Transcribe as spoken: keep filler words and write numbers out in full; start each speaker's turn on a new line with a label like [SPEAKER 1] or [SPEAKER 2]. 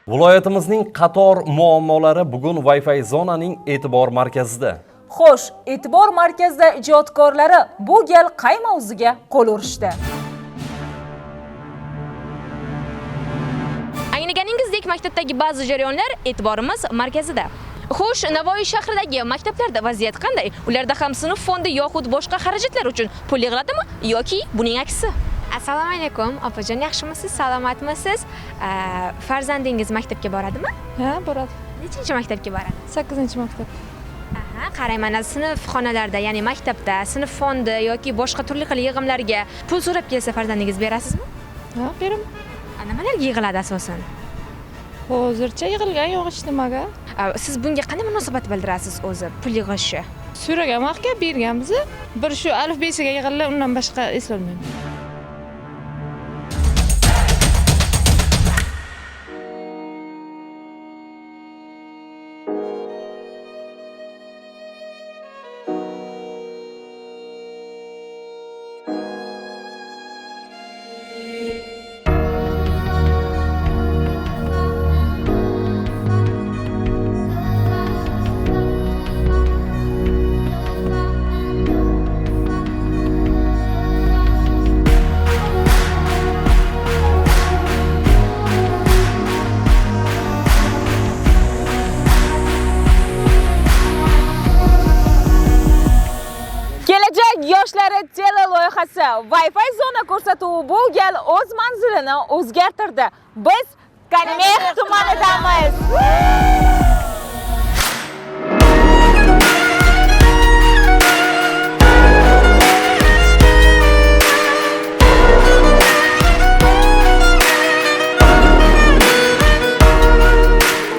[SPEAKER 1] Viloyatimizning qator muammolari bugun Wi-Fi zonaning e'tibor markazida.
[SPEAKER 2] Xo'sh, e'tibor markazida ijodkorlari bu gal qay mavzuga qo'l urishdi?
[SPEAKER 3] Anglaganingizdek, maktabdagi ba'zi jarayonlar e'tiborimiz markazida. Xo'sh, Navoiy shahridagi maktablarda vaziyat qanday? Ularda ham sinf fondi yoxud boshqa xarajatlar uchun pul yig'iladimi yoki buning aksi?
[SPEAKER 4] Assalomu alaykum, opajon, yaxshimisiz, salomatmisiz? Farzandingiz maktabga boradimi?
[SPEAKER 5] Ha, boradi.
[SPEAKER 4] Nechinchi maktabga boradi?
[SPEAKER 5] sakkizinchi maktab.
[SPEAKER 4] Aha, qarang, mana sinf xonalarida, ya'ni maktabda sinf fondi yoki boshqa turli xil yig'imlarga pul so'rab kelsa farzandingiz berasizmi?
[SPEAKER 5] Ha, beraman.
[SPEAKER 4] Nimalarga yig'iladi asosan?
[SPEAKER 5] Hozircha yig'ilgan yo'q hech nimaga.
[SPEAKER 4] Siz bunga qanday munosabat bildirasiz o'zi, pul yig'ishni?
[SPEAKER 5] So'ragan vaqtga berganmiz. Bir shu alif besiga yig'ildi, undan boshqa eslolmayman.
[SPEAKER 2] Yoshlari tele loyihasi Wi-Fi zona ko'rsatuvi bu gal o'z manzilini o'zgartirdi. Biz Kanimex tumanidamiz.